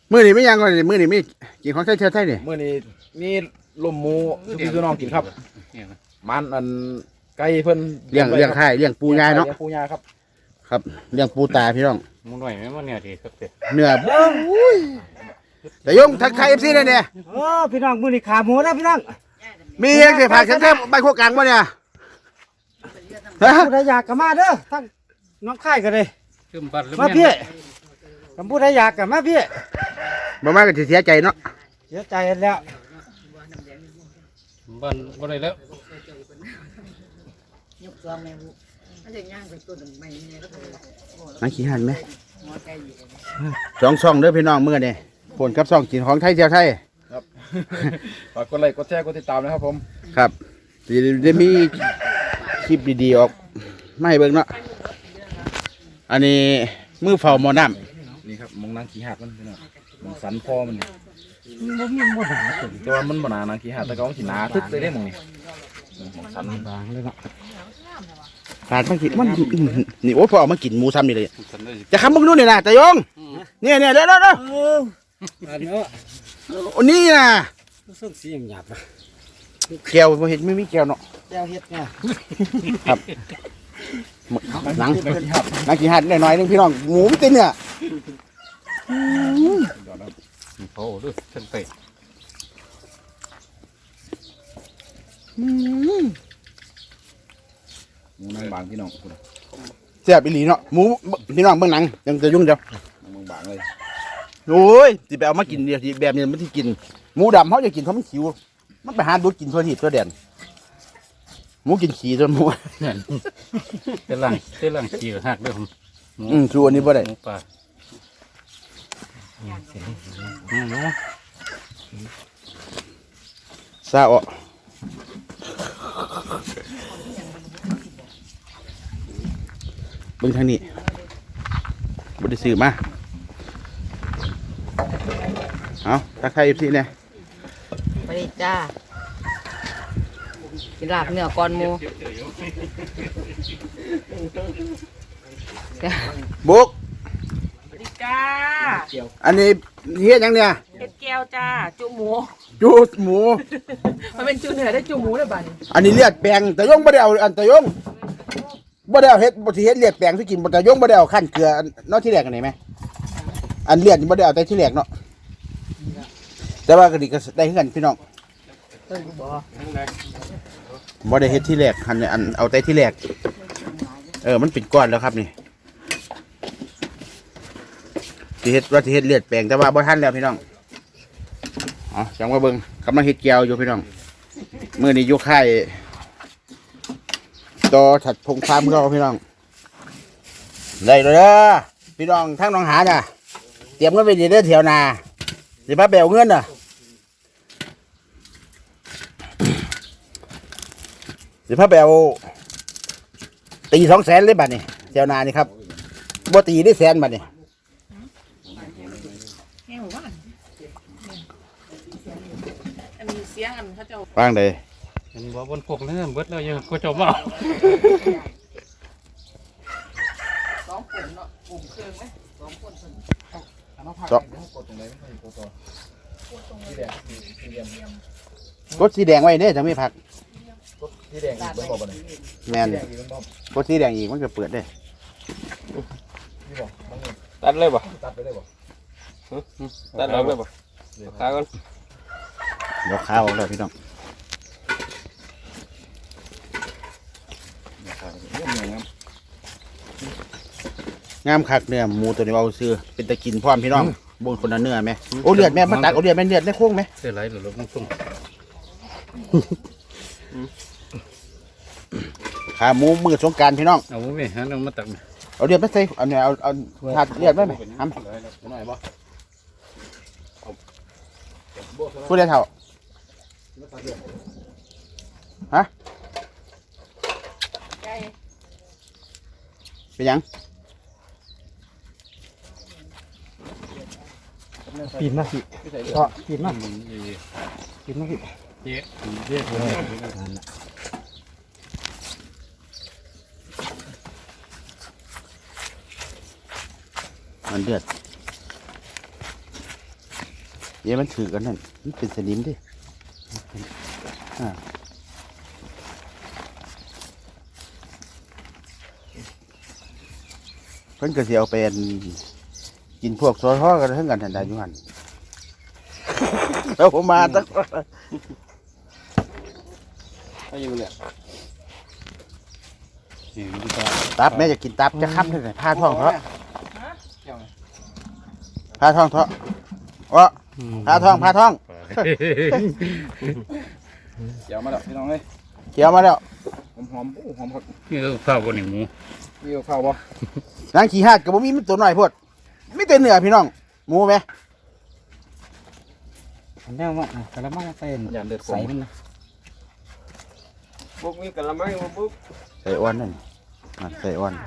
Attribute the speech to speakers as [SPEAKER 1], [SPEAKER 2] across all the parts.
[SPEAKER 1] มื้อนี้ไม่ยังก่อนมื้อนี้ไม่กินของไทยเชื้อไทยนี่
[SPEAKER 2] มื้อนี้มีลมหมูสุกี้สุน้องกินครับมันอันไก่เพิ่น
[SPEAKER 1] เลี้ยงไข่เลี้ยงปูยายเนาะ
[SPEAKER 2] ลี้ยงปูยาครับ
[SPEAKER 1] ครับเลี้ยงปูตาพี่น้อง
[SPEAKER 3] มึงหน่อยไหมมันเนี่ยทีครับเด็ก
[SPEAKER 1] เนื้อแต่ยงทักทาย FC ได้เนี่ย
[SPEAKER 4] โอ้พี่น้องมื้อนี้ขาหมูนะพี่น้อง
[SPEAKER 1] มีเฮงสิฝากฉันแค่ใบโคกลางบ่เนี่ยฮะ
[SPEAKER 4] ผู้ใดอยากก็มาเด้อทั้งน้องค่ายก็เลย
[SPEAKER 3] ขึ้นบัตรแล้ว
[SPEAKER 4] มาพี่กับผู้ใดอยากก็มาพี่
[SPEAKER 1] บ่มาก็สิเสียใจเนาะ
[SPEAKER 4] เสียใจแล้ว
[SPEAKER 3] บันบ่ได้แล้ว
[SPEAKER 5] ยกซองแม่บุมันจะย่างไปตัวหนึ่งไม่เนี่ยก็คือ
[SPEAKER 1] มาขี้หันไหม
[SPEAKER 5] หัวไก่อยู่
[SPEAKER 1] 2 ช่องเด้อพี่น้องมื้อนี้ผลกับช่องกินของไทยเชื้อไทย
[SPEAKER 2] ครับ ฝากกดไลค์กดแชร์กดติดตามนะครับผม
[SPEAKER 1] ครับสิได้มีคลิปดีๆออกมาให้เบิ่งเนาะอันนี้มือเฝ้าหม้อน้ำ
[SPEAKER 2] นี่ครับมองนางขี้หักมันพี่น้องมองสันคอมันนี่
[SPEAKER 4] บ่มีบ่หา
[SPEAKER 2] แต่ว่ามันบ่หนานางขี้หักแต่ก็มันสิหนาทึกเลยเด้หมองนี่มองสัน
[SPEAKER 4] บางเลยเนาะ
[SPEAKER 1] ขาดมากินมันนี่โอ้ยพอเอามากินหมูซ้ำนี่เลย
[SPEAKER 3] ฉันได้
[SPEAKER 1] จะคำมึงดูนี่นะตายงเนี่ยเด้อ
[SPEAKER 4] อันนี้
[SPEAKER 1] อันนี้นะ
[SPEAKER 4] ส่งสีหยาบๆนะ
[SPEAKER 1] แก้วบ่เห็นไม่มีแก้วเนาะ
[SPEAKER 4] แก้วเฮ็ดเนี่ย
[SPEAKER 1] ครับหนังกินหัดหน่อยๆนึงพี่น้องหมูมันตินเนี่ย
[SPEAKER 3] โอ้ดูฉันไป
[SPEAKER 2] หมูนางบางพี่น้องคุณ
[SPEAKER 1] แซ่บอีหลีเนาะหมูพี่น้องเบิ่งหนังยังจะยุ่งเดียว
[SPEAKER 2] นางบางเลย
[SPEAKER 1] โอ้ยสิไปเอามากินเดียวแบบนี้มันสิกินหมูดำเขาจะกินเพราะมันขิวมันไปหาดูดกินทั่วทิศทั่วแดนหมูกินขี้จนหมู
[SPEAKER 3] เนี่ยเต้นหลังขี่หักด้วยผม
[SPEAKER 1] ชูอันนี้บ่ได้
[SPEAKER 3] หมูป่าเนาะ
[SPEAKER 1] ซาออกเบิ่งทางนี้บ่ได้ซื้อมาเอาทักทาย FC เนี่ย
[SPEAKER 5] ไปดิจ้ากินลาบเนื้อก่อนหมู
[SPEAKER 1] บุก
[SPEAKER 6] สวัสดีจ้า
[SPEAKER 1] อันนี้เฮ็ดหยังเนี่ย
[SPEAKER 6] เห็ดแก้วจ้า จุหมู
[SPEAKER 1] จูหมู
[SPEAKER 6] มันเป็นจุเหนือได้จุหมูเลยบ้านี้
[SPEAKER 1] อันนี้เลือดแปลงแต่ยงบ่ได้เอาอันแต่ยงบ่ได้เอาเฮ็ดบ่สิเฮ็ดเลือดแปลงสิกินบ่แต่ยงบ่ได้เอาขั้นเกลืออันเนาะที่แรกกันนี่แหมอันเลือดนี่บ่ได้เอาแต่ที่แรกเนาะแต่ว่าก็ดีก็ได้คือกันพี่น้อง
[SPEAKER 5] เพิ่นบอก
[SPEAKER 1] บ่ได้เฮ็ดที่แรกอันเอาแต่ที่แรกมันเป็นก้อนแล้วครับนี่สิเฮ็ดว่าสิเฮ็ดเลือดแปลงแต่ว่าบ่ทันแล้วพี่น้องอ๋อจังว่าเบิ่งกำลังเฮ็ดแก้วอยู่พี่น้องมื้อนี้อยู่ค่ายต่อถัดพงฟาร์มเราพี่น้องได้เลยเด้อพี่น้องทั้งน้องหาน่ะเตรียมเงินไว้ดีเด้อแถวนาสิพาไปเอาเงินน่ะสิพาไปเอาตี200,000เลยบัดนี้แถวนานี่ครับบ่ตีได้100,000บัดนี้
[SPEAKER 6] แห้งหมู่บ้านอันนี้เสียงอันเขาเจ้า
[SPEAKER 1] ว่างใด
[SPEAKER 3] เห็นว่าบนพวกนั้นเบิดแล้วยังก็จะมา
[SPEAKER 5] สองคนเนาะกลุ่มเครื่องไหมสองคน
[SPEAKER 1] กดสีแดงไว้เด้อถ้าไม่ผัก
[SPEAKER 2] ที่แดงอีกเบิ่งบ่บ่นี่
[SPEAKER 1] แม่น
[SPEAKER 2] ที่แดงอีกเบิ่งบ่
[SPEAKER 1] กดสีแดงอีกมันก็เปิดได้
[SPEAKER 2] นี่บ่บางนี่
[SPEAKER 3] ตัดเลยบ่
[SPEAKER 2] ตัดไปได้บ่
[SPEAKER 3] ตัดออกเลยบ่ขาก่อน
[SPEAKER 1] เดี๋ยวข้าวแล้วพี่น้อง งามคักเนื้อหมูตัวนี้เอาซื้อเป็นตะกินพร้อมพี่น้องบนคนละเนื้อไหมโอ้เลือดแม่มาตักเอาเลือดแม่เลือดได้โค้งไหม
[SPEAKER 3] เสื้อไหลหรือลงตุ้ง
[SPEAKER 1] ขาหมูมือสงกรารพี่น้อง
[SPEAKER 3] เอาไม่หันมาตัก
[SPEAKER 1] เอาเลือดไม่ใส่เอาเนี่ยเอาถาดเลือดไว้ไหมทำ
[SPEAKER 2] หน่อยบ่
[SPEAKER 1] พูดได้เท่าฮะเป็นยัง
[SPEAKER 4] ปีนมาสิก็ปีนมาปีนมาสิ
[SPEAKER 3] เจ๊เจ๊ผม
[SPEAKER 1] มันเลือดเดี๋ยวมันถือกันนั่นมันเป็นสนิมดิเพิ่นก็สิเอาเป็นกินพวกซอยห่อกันทั้งกันทันใดอยู่หั่นแล้วผมมาตั้ง
[SPEAKER 2] ไปอยู่เลย
[SPEAKER 3] นี่มันก็
[SPEAKER 1] ตับแม่จะกินตับจะค้ำเท่าไหร่ผ้าท้องเถอะผ้าท้องเถอะวะผ้าท้องผ้าท้อง
[SPEAKER 2] เดี๋ยวมาแล้วพี่น้องเลย
[SPEAKER 1] เขียวมาแล้ว
[SPEAKER 2] หอมหอมครับ
[SPEAKER 3] นี่ก็ข้าวบนหนึ่งหมู
[SPEAKER 2] มีข้าวบ่
[SPEAKER 1] นางขี้หาดกับบ่มีมันตัวหน่อยพวดไม่เต็มเนื้อพี่น้องหมูไหม
[SPEAKER 4] อันนี้ว่ากระมังเป็น
[SPEAKER 2] อย่าเดือด
[SPEAKER 4] ใส่มันนะ
[SPEAKER 5] บุกมีกะละมังบุก
[SPEAKER 1] ใส่อ้วนนั่นใส่อ้วน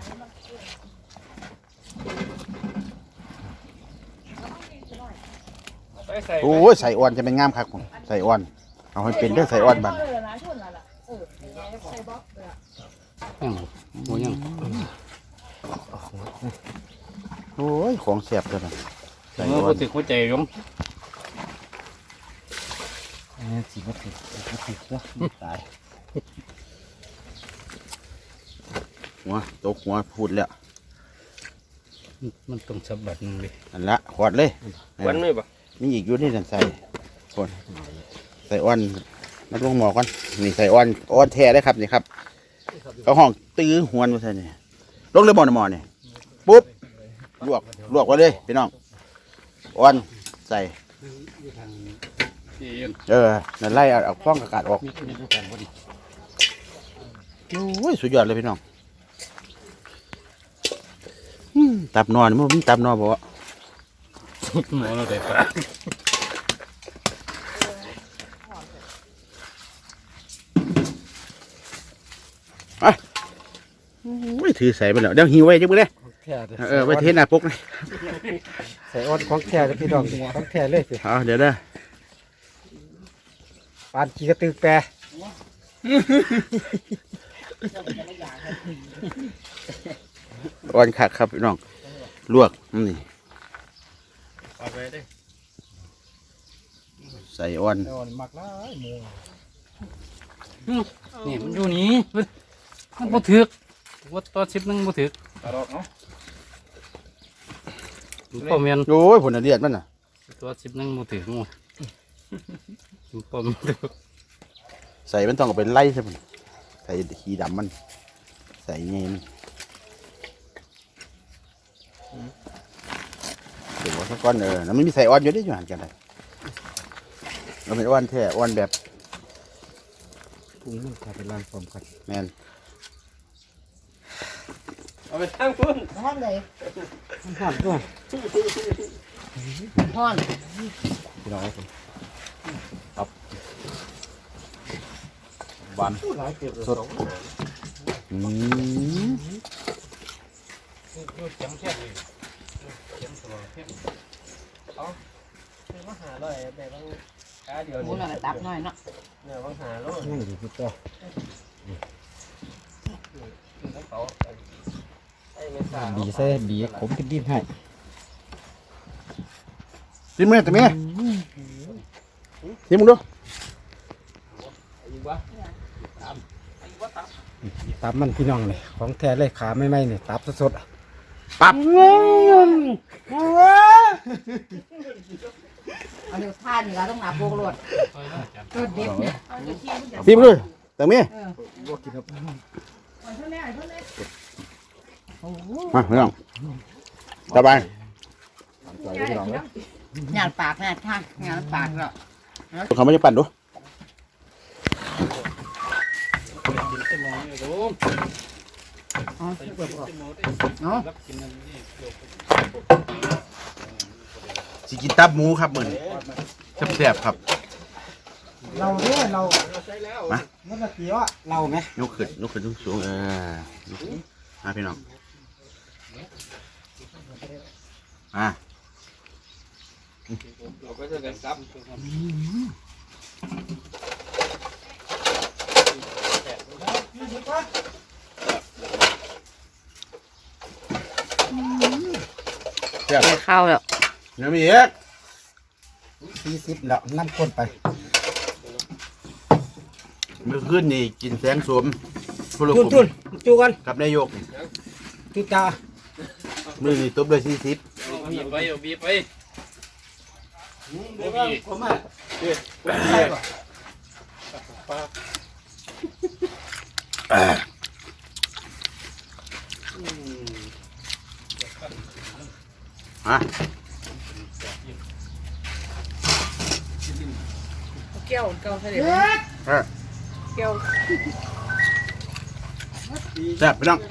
[SPEAKER 1] โอ้ยใส่อ้วนจะเป็นงามคักผมใส่อ้วนเอาให้เป็นเด้อใส่อ้วนบัน
[SPEAKER 3] หมูยัง
[SPEAKER 1] โอ้ยของเสียบตัวนั้นใส่
[SPEAKER 3] เมื่อ
[SPEAKER 1] อ้ว
[SPEAKER 3] พู
[SPEAKER 1] น
[SPEAKER 3] ดถึงหัวใจยง
[SPEAKER 4] อันนี้สีมันติดแล้วตาย
[SPEAKER 1] หัวตกหัวพูดแล้ว
[SPEAKER 3] มันต้องสับบัดนึงเลย
[SPEAKER 1] นั่นละขวดเลย
[SPEAKER 5] วันไม่บ่
[SPEAKER 1] มีอีกอยู่นี่นั่นใส่คนใส่อ้วนมาลงหมอก่อนนี่ใส่อ้วนแท้ได้ครับนี่ครับเขาห้องตื้อหวนมาใส่นี่ลงเลยบ่อนะหมอนี่ปุ๊บลวกไว้เลยพี่น้องอ้วนใส่
[SPEAKER 3] ที่ยัง
[SPEAKER 1] นั่นไล่เอาฟองอากาศออก
[SPEAKER 3] มีทุกอย่างพอดี
[SPEAKER 1] โอ้ยสุดยอดเลยพี่น้องตับนอนมันมีตับนอนบ่วะ
[SPEAKER 3] หมูเราได้ปลา
[SPEAKER 1] ไม่ถือใส่ไปแล้วเดี๋ยวหิวไว้จังมื้อเด้
[SPEAKER 4] แท้เลย
[SPEAKER 1] ไว้เทหน้าปกเลย
[SPEAKER 4] ใส่อ้อนของแท้เลยพี่น้องของแท้เลยสิ
[SPEAKER 1] เอาเดี๋ยวเด้อ
[SPEAKER 4] ปานกีกระตือแปร
[SPEAKER 1] อ้วนคักครับพี่น้องลวกนี่
[SPEAKER 3] เอาไปได้
[SPEAKER 1] ใส่อ้วน
[SPEAKER 4] อ้อนมักละหมู
[SPEAKER 3] นี่มันอยู่นี่มันบ่ถึกว่าตอน10นึงบ่ถึก
[SPEAKER 2] ตลอดเนาะ
[SPEAKER 3] ป้อมเมียน
[SPEAKER 1] โอ้ยผลเลียดมันน่ะ
[SPEAKER 3] ตัว10นึงบ่ถึกงูป้อม
[SPEAKER 1] ใส่มันต้องเอาไปไล่ใช่ไหมใส่ขีดำมัน ใส่ไงมันเดี๋ยวว่าสักก้อนแล้วมันมีใส่อ้อนอยู่ได้อยู่หันกันเลยเราเป็นอ้อนแท้อ้อนแบบ
[SPEAKER 4] ปรุงมันขาดไปล้างความกัน
[SPEAKER 1] แมน
[SPEAKER 5] เอาไปทั้งพุ่น
[SPEAKER 6] ห้อนเลย
[SPEAKER 4] มันหอมด้วย
[SPEAKER 6] ห้อน
[SPEAKER 1] พี่น้องครับผม
[SPEAKER 2] หวาน
[SPEAKER 1] สดอืม
[SPEAKER 5] มาหาเลยแต่บางกาเดียว
[SPEAKER 6] หมูน่ะตับหน่อยเนาะ
[SPEAKER 5] เนี่ยบางหาโล
[SPEAKER 4] นั่งอยู่ที่ตัว
[SPEAKER 5] เขาไอ้ไม่ทราบ
[SPEAKER 4] ดีใส่ดีผมกินดินให้
[SPEAKER 1] ชิมไหมแต่เมียชิมมึงดู
[SPEAKER 4] ตับมันพี่น้องเลยของแท้เลยขาไม่ไหมเนี่ยตับสด
[SPEAKER 1] ปับ
[SPEAKER 6] เอาเดี๋ยวทานนี่เราต้องหนาโปกรวดรวดเด็ดเนี่ย
[SPEAKER 1] ชิมดูแต่เมียมาพี่น้องสบาย
[SPEAKER 6] หยาดปากเนี่ยท่านหยาดปากเนาะ
[SPEAKER 1] เขาไม่ได้ปั่นดู สิกินตับหมูครับเหมือนแซ่บๆครับ
[SPEAKER 4] ๆเราเนี่ยเรา
[SPEAKER 1] มา
[SPEAKER 4] เมื่อกี้ว่าเราไหม
[SPEAKER 1] ยกขึ้นสูงมาพี่น้องมา
[SPEAKER 5] เราก็จะกันซับ
[SPEAKER 1] แซ่บ
[SPEAKER 6] ข้าวแล้ว
[SPEAKER 1] ยังมีอีก
[SPEAKER 4] 40แล้วน้ำข้นไป
[SPEAKER 1] เมื่อคืนนี่กินแสงสวมพล
[SPEAKER 4] จุ
[SPEAKER 1] ก
[SPEAKER 4] นจูกัน
[SPEAKER 1] กับนายก
[SPEAKER 4] จุตา
[SPEAKER 1] มื้อนี้ตบด้วย40
[SPEAKER 3] บีบไปเอาบีบไป
[SPEAKER 4] ผมอ่ะ
[SPEAKER 1] ฮะ
[SPEAKER 5] แก้วเก่าเสด็จแก้ว
[SPEAKER 1] แซ่บพี่น้อง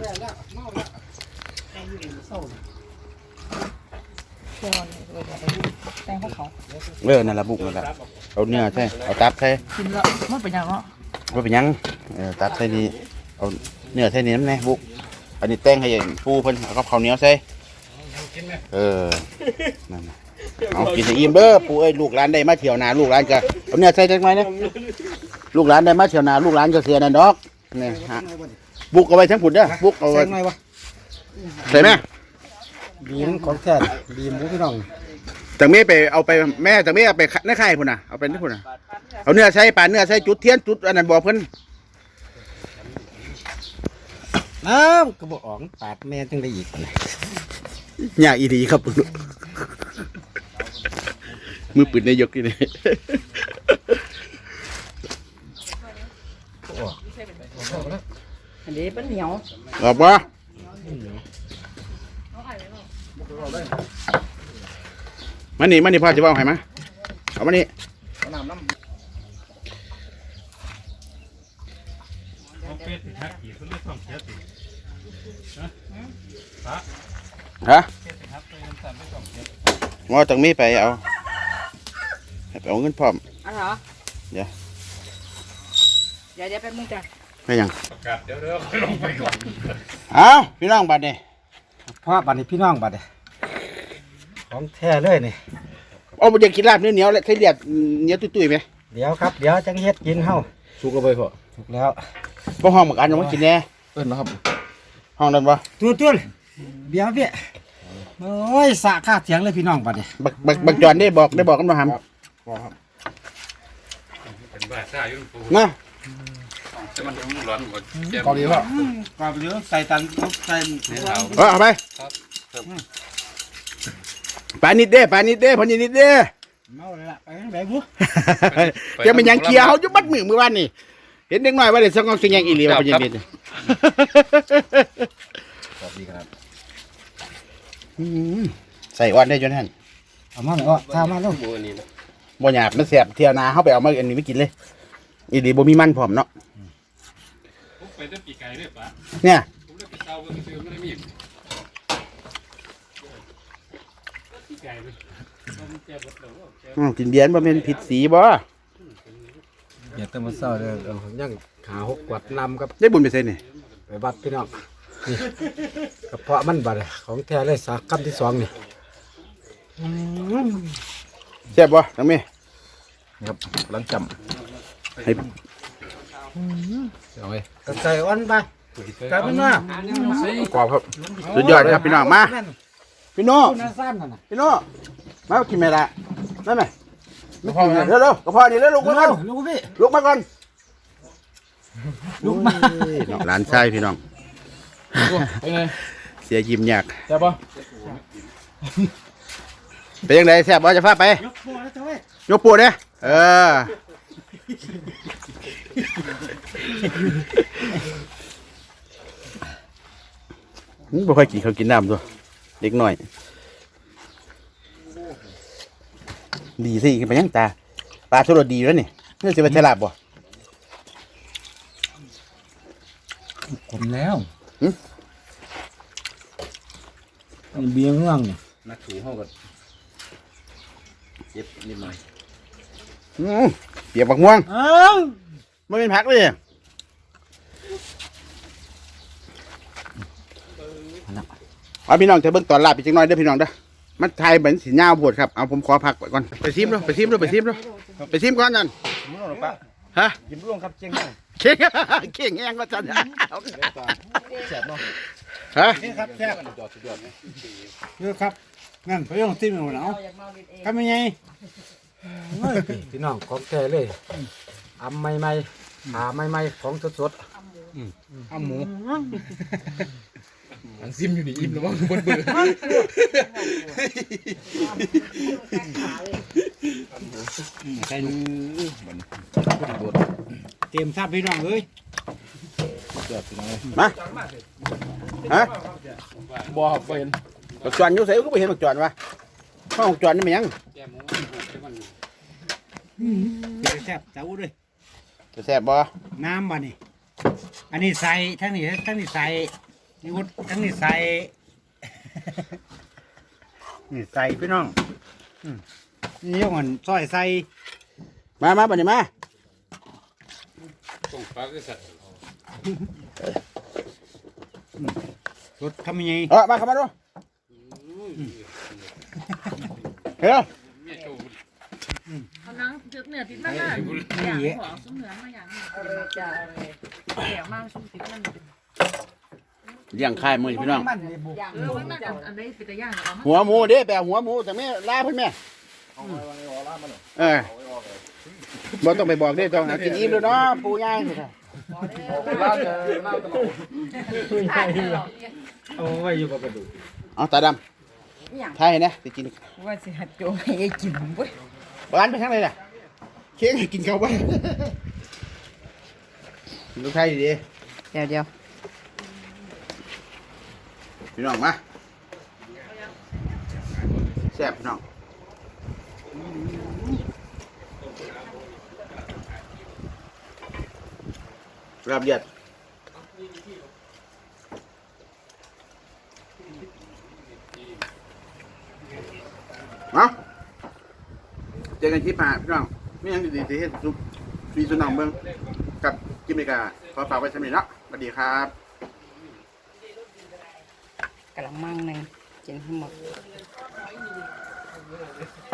[SPEAKER 5] แก้วแตงเขา
[SPEAKER 1] นั่นละบุกนั่นละเอาเนื้อใช่เอาตับใช่
[SPEAKER 5] กินแล้วมันเป็นยังเนาะ
[SPEAKER 1] ว่าเป็นหยังตับใส่นี่เอาเนื้อใส่นี่น้ำแน่บุกอันนี้แตงให้ปูเพิ่นเอากับข้าวเหนียวใส่นั่นน่ะเอากินให้อิ่มเด้อปูเอ้ยลูกหลานได้มาเที่ยวนาลูกหลานก็เอาเนื้อใส่จังไหมเนี่ยลูกหลานได้มาเที่ยวนาลูกหลานก็เสียนั่นดอกนี่ฮะบุกเอาไว้ทั้งผุดเด้อบุกเอา
[SPEAKER 4] แซ
[SPEAKER 1] ไว้
[SPEAKER 4] งหน่อยวะ
[SPEAKER 1] ใส่ไหม
[SPEAKER 4] บีมของแท้บีมหมูพี่น้อง
[SPEAKER 1] จากเม่ไปเอาไปแม่จากเม่เอาไปในไข่พุ่นน่ะเอาไปนี่พุ่นน่ะเอาเนื้อใส่ปลาเนื้อใส่จุดเทียนจุดอันนั้นบอกเพิ่น
[SPEAKER 4] น้ำกระบอกออกปาดแม่จังได้อีก
[SPEAKER 1] อยากอีดีครับมือปืนนายกนี่เลย
[SPEAKER 6] อันนี้เป็นเหนียว
[SPEAKER 1] ออกมามานี่พ่อจะว่าให้มาเอามานี่
[SPEAKER 3] เอาเป็ดหักอีกเขาเรียกต้องเสียติ
[SPEAKER 1] ฮะ
[SPEAKER 3] เป็ดหักไปน้ำตาลไม่ต้องเสีย
[SPEAKER 1] งอจากมีไปเอาให้ไปเอาเงินพร้อม
[SPEAKER 6] อันเหรอ
[SPEAKER 1] เดี๋ยว
[SPEAKER 6] เดี๋ยวแป๊บนึงจ้ะ
[SPEAKER 1] ไม่ยัง
[SPEAKER 3] ประกาศเดี๋ยวลงไปก่อน
[SPEAKER 1] เอาพี่น้องบัดนี่
[SPEAKER 4] พ่อบัดนี้พี่น้องบัดนี้ของแท้เลยนี่
[SPEAKER 1] เอาไปยังกินลาบเนื้อเหนียวและไข่เลียดเหนียวตุ้ยๆไหม
[SPEAKER 4] เดี๋ยวครับเดี๋ยวจังเฮ็ดกินเฮา
[SPEAKER 2] สุกเอาไปพอ
[SPEAKER 4] ถูกแล้ว
[SPEAKER 1] บ่ห้องเหมือนกันยังไม่กินแน่
[SPEAKER 2] เอิ้นนะครับ
[SPEAKER 1] ห้องนั้นบ่
[SPEAKER 4] ตุ้นเดี๋ยวพี่โอ้ยสะค่าเถียงเลยพี่น้องบัดนี้
[SPEAKER 1] บักจอนได้บอกกันบ่หำ
[SPEAKER 3] เป็นบ้าซ่ายุ่งปู
[SPEAKER 1] นะ
[SPEAKER 3] แต่มันร้อนกว่าเจ็บ
[SPEAKER 2] เกาหลีพ่อ
[SPEAKER 4] ก่อนเดี๋ยวใส่ตันใส่
[SPEAKER 1] เอาไปปลานิดเด้พอนิดเด้
[SPEAKER 4] เมาเลยล่ะไปทางไหนบุ
[SPEAKER 1] จะเป็นหยังเคียวอยู่บัดมือวานนี่เห็นเด็กน้อยว่าได้สังกองสิงยังอีหลีว่าเป็นยังไง
[SPEAKER 2] ขอบดีครับ
[SPEAKER 1] ใส่อ่อนได้จนหั่น
[SPEAKER 4] เอามาหน่อยก็ข้าวมาลูก
[SPEAKER 3] มือนี่นะ
[SPEAKER 1] บ่หยาบมันแสบเที่ยวนาเฮาไปเอามาอันนี้ไม่กินเลยอีหลีบ่มีมันพร้อมเนาะ
[SPEAKER 3] ผมไปได้ปีไก่ด้วยปะ
[SPEAKER 1] เนี่ย
[SPEAKER 3] ผมได้ไปเตาเพิ่งซื้อไม่ได้มีปีไก่เลยเจ็บหมดเลย
[SPEAKER 1] กินเบียร์บ่แม่นผิดสีบ่
[SPEAKER 4] อย่าเติมมาเศร้าเด้อยังขาหกกวดนำครับ
[SPEAKER 1] ได้บุญไปใส่นี่
[SPEAKER 4] ไปบัดพี่น้องนี่กระเพาะมันบัดของแท้เลยสากคำที่สองนี่
[SPEAKER 1] แซ่บบ่ทั้งแม่
[SPEAKER 2] ครับหลังจ
[SPEAKER 1] ให้
[SPEAKER 2] ำเอาไว้
[SPEAKER 4] กระใส่อ่อนไปกลายเป็นว่า
[SPEAKER 2] กรอบครับ
[SPEAKER 1] สุดยอดครับพี่น้องมาพี่น้อง
[SPEAKER 4] น่าซ่านนั่นน่ะ
[SPEAKER 1] พี่น้องมากินแม่ละได้ไหมเร็วๆกระเพาะนี่เร็วลุกมาก่อน
[SPEAKER 4] ลูกพี่
[SPEAKER 1] ลุกมาก่อน
[SPEAKER 4] ลูกมา
[SPEAKER 1] หลานชายพี่น้อง
[SPEAKER 2] ไปไง
[SPEAKER 1] เสียยิ้มยาก
[SPEAKER 2] แซ่บป่ะ
[SPEAKER 1] เป็นยังไงแซ่บบ่จะพาไป
[SPEAKER 4] ยกโป้แล้วเจ้าเว้ย
[SPEAKER 1] ยกปูเนี่ยบ่ค่อยกินเขาวกินน้ำตัวเด็กหน่อย ดีสิไปยังตาปลาชุรสดีแล้วนี่นี่จะเป็นฉลาดบ่
[SPEAKER 4] ผมแล้วเบียร์เมืองนี่
[SPEAKER 2] นักถูห้องก่อนเจ็บนิดหน่อย
[SPEAKER 1] เปียกบักม่วง
[SPEAKER 4] เอ้า
[SPEAKER 1] ไม่เป็นผักเลยเอาพี่น้องจะเบิ่งตอนลาบอีกจังหน่อยเด้อพี่น้องเด้อมันไทยเหมือนสีหน้าบวชครับเอาผมขอพักไว้ก่อนไปซิมด้วยไปซิมก่อนนั่น
[SPEAKER 2] มึงเอาหรอปะ
[SPEAKER 1] ฮะ
[SPEAKER 2] ยิ้มร่วงครับเจียงได้
[SPEAKER 1] เข่งเข่งแห้งก็จัน
[SPEAKER 2] แซ่บเนาะ
[SPEAKER 1] ฮะ
[SPEAKER 4] นี่ครับแท้
[SPEAKER 2] สุดยอดสุดยอด
[SPEAKER 4] เยอะครับงั้นไปลองติ้มเอาหนาวทำยังไงพี่น้องของแท้เลยอำใหม่ๆหาใหม่ๆของสด
[SPEAKER 2] อ้าหมูอันซิมอยู่นี่อิ่มแล้วมั้งเบื่อ
[SPEAKER 1] ใช่
[SPEAKER 2] มัน
[SPEAKER 4] ๆเตรียมทราบพี่น้องเอ้ย
[SPEAKER 2] เกือบไปเลย
[SPEAKER 1] มาฮะ
[SPEAKER 2] บ่ครับบ่เห็น
[SPEAKER 1] บักจวนอยู่ไสก็บ่เห็นบักจวนวะห้องจวนนี่มันหยัง
[SPEAKER 4] แซ่บเจ้าด้วย
[SPEAKER 1] จะแซ่บบ่
[SPEAKER 4] น้ำบ่นี่อันนี้ใส่ทั้งนี้ใส่นี่วุ้ทั้งนี้ใส่ นี่ใส่พี่น้องนี่ยกมันซอยใส่
[SPEAKER 1] มาบัดนี้มา
[SPEAKER 4] รสทำยังไง
[SPEAKER 1] มาเข้ามาดูเฮ้ย
[SPEAKER 5] เอานังเจือกเนื้อติดมันน่ะอย่างของซุ้มเหนือมาอย่างนี้จะแก่มากซุ้มติดมัน
[SPEAKER 1] เลี้ยงค่ายมื้อนี้พี่น้อง
[SPEAKER 5] มันน่าอันนี้เป็นตะย่างเอามา
[SPEAKER 1] หัวหมูเด้ไปเอาหัวหมูจากแม่ลาเพิ่นแม่บ่ต้องไปบอกเด้ต้องหากินอิ่มแล้วเนาะปู่ย่าสิค่ะ
[SPEAKER 2] ล่าจะล่าตลอด
[SPEAKER 4] เอาไว้อยู่กับกระดูก
[SPEAKER 1] เอาตาดำทายให้นะสิกิน
[SPEAKER 6] ว่าสิหัดโจให้กินเว้ย
[SPEAKER 1] บ้านไปทางไหนล่ะเค้กให้กินข้าวบ้านลูกไทยดี
[SPEAKER 6] เดี๋ยว
[SPEAKER 1] พี่น้องมาแซ่บพี่น้องรับเดือดเอาเจอกันคลิปหน้าพี่น้องไม่ยังดีๆที่เฮ็ดซุปฟีสุนังเบิ้งกับกิมเมกาขอฝากไว้สำหรับนี้เนาะสวัสดีครับ
[SPEAKER 6] กะละมังหนึงกินให้หมด